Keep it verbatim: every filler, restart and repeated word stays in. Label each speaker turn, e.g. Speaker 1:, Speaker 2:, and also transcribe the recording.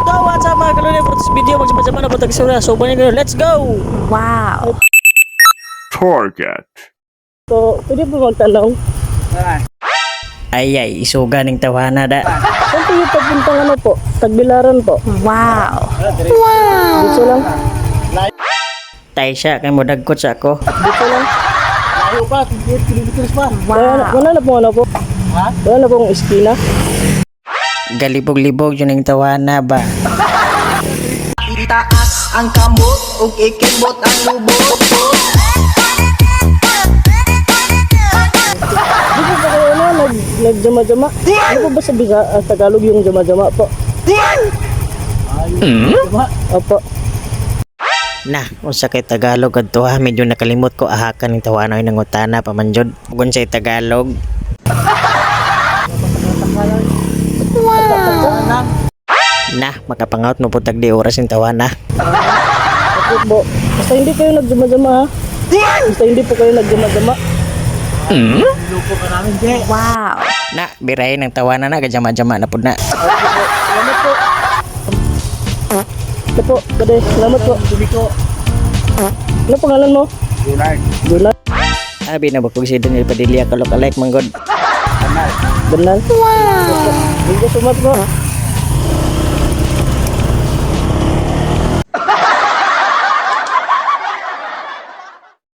Speaker 1: go! What's up mga kalunay? For this video, magsama-sama na po tagsura. So, banyan kayo. Let's go!
Speaker 2: Wow!
Speaker 3: Target.
Speaker 1: So, pwede po magtanong? Ay ay, isuga ng tawana da. Saan po yung pagpuntang ano po? Tagbilaran po.
Speaker 2: Wow!
Speaker 1: Dito lang. Tay siya, kay mo dagkot sa ako. Dito lang. Ayaw pa, kilometers pa. Wala, wala na po ano po? Ha? Wala na pong iskina. Galibog-libog yun ang tawana ba?
Speaker 4: Itaas ang kamot ug ikibot ang lubot.
Speaker 1: Di po ba kayo na nag, nagjama-jama? Ano po ba sa Bisa, uh, Tagalog yung jama-jama po? Hmm? Opo. Na, unsa kay Tagalog adto ha, medyo nakalimot ko ahakan ng tawana ng utana pamanjod. Gun sa Tagalog. Na, makapangout mo po tagdi oras yung tawana. Okay po. Basta hindi kayo nagjama-jama ha? Basta hindi po kayo nagjama-jama. Hmm?
Speaker 2: Wow!
Speaker 1: Na, birahin ng tawana na, kajama-jama na po na. Salamat po. Ito po, kade, salamat po. Ano pangalan mo?
Speaker 3: Dunay.
Speaker 1: Dunay. Abi na ba kung si Daniel Padilla kalok-alike manggod? Banal. Banal? Wow! Thank you so much po.